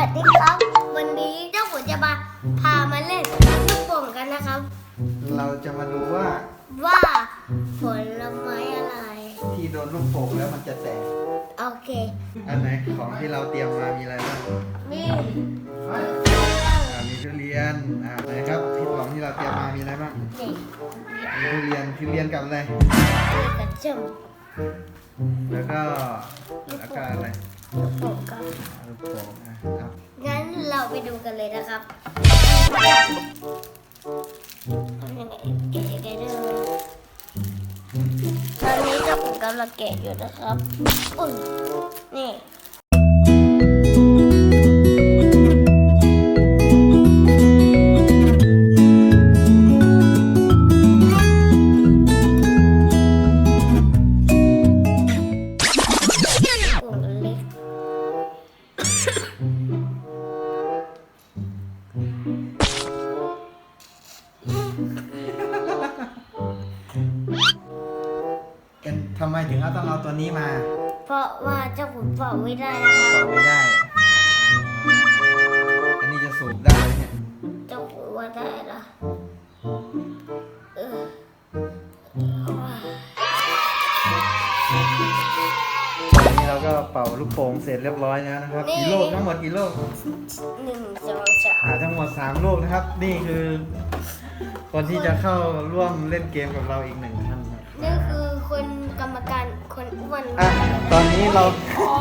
วัสดีครับวันนี้เจ้าขุนจะพามาเล่นลูกโป่งกันนะครับเราจะมาดูว่าผลไม้อะไรที่โดนลูกโป่งแล้วมันจะแตกโอเคอันไหนของที่เราเตรียมมามีอะไรบ้างมีทุเรียนไหนครับที่ของที่เราเตรียมมามีอะไรบ้างมีทุเรียนกับอะไรกระจุกแล้วก็อะไรลูกโป่งครับลูกโป่งครับงั้นเราไปดูกันเลยนะครับแกะด้วยตอนนี้เจ้าขุนกำลังแกะอยู่นะครับอุ้ยนี่ทำไมถึงต้องเอาตัวนี้มาเพราะว่าเจ้าขุนเป่าไม่ได้นะครับเป่าไม่ได้อันนี้จะสูบได้เนี่ยเจ้าขุนว่าได้ละนี่เราก็เป่าลูกโป่งเสร็จเรียบร้อยแล้วนะครับกี่ลูกทั้งหมดกี่ลูก 1 2 3 ทั้งหมด3ลูกนะครับนี่คือคนที่จะเข้าร่วมเล่นเกมกับเราอีก1 ท่านนี่คือคนกรรมการคนอ้วนตอนนี้เรา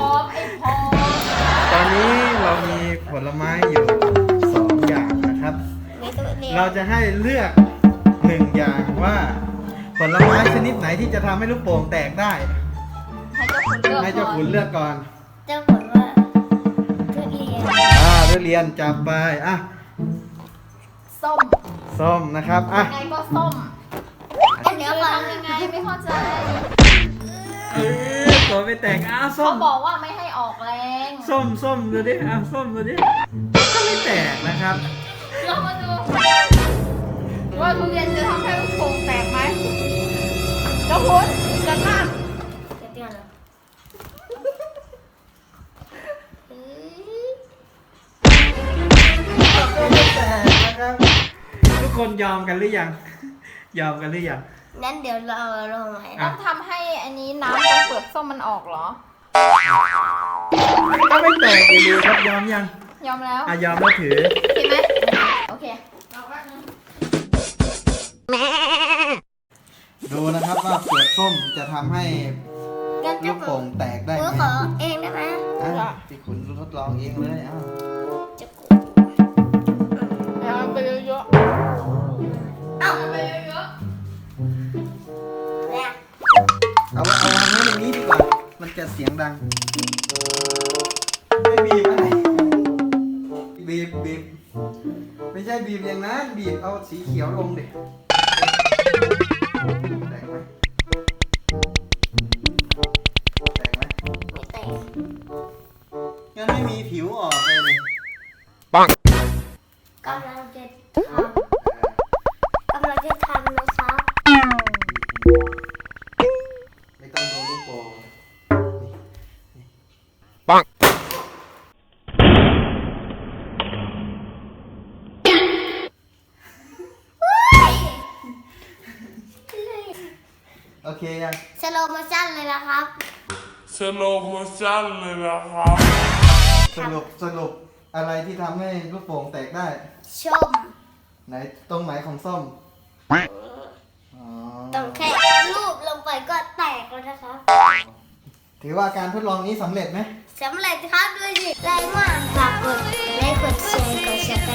ตอนนี้เรามีผลไม้อยู่2 อย่างนะครับเราจะให้เลือก1 อย่างว่าผลไม้ชนิดไหนที่จะทำให้ลูกโป่งแตกได้ให้เจ้าขุนเลือกก่อนเจ้าขุนว่าทุเรียนทุเรียนจับไปส้มนะครับยังไงก็ส้มเดี๋ยวทำยังไงไม่เข้าใจตัวไม่แตกส้มเขาบอกว่าไม่ให้ออกแรงส้มดูดิส้มดูดิก็ไม่แตกนะครับเรามาดูว่าทุเรียนจะทำให้ลูกโป่งแตกไหมเจ้าขุนกันมากทุกคนยอมกันหรือยังนั้นเดี๋ยวเราลงใหม่ต้องทำให้อันนี้น้ำตรงเปลือกส้มมันออกเหรอก็ไม่แตกอยู่ดีครับยอมยังยอมแล้วยอมแล้วถือเห็นไหมโอเคดูนะครับว่าเปลือกส้มจะทำให้ลูกโป่งแตกได้ไหมขอเองได้ไหมที่คุณทดลองเองเลยเอาไปเยอะไปเยอะเอาไว้ตรงนี้ดีกว่ามันจะเสียงดังไม่บีบอะไรบีบไม่ใช่บีบอย่างนั้นบีบเอาสีเขียวลงดิแตกไหมไม่แตกงั้นไม่มีผิวออกเลยปังกำลังจะทำนะครับไม่ต้องโดนลูกโป่งปังโอเคยังสโลโมชั่นเลยนะครับสรุปอะไรที่ทำให้ลูกโป่งแตกได้ส้มไหนตรงไหนของส้มต้องแค่ลูบลงไปก็แตกแล้วนะครับถือว่าการทดลองนี้สำเร็จไหมสำเร็จครับด้วยสิแรงมากฝากกดไลค์กดแชร์กดซับส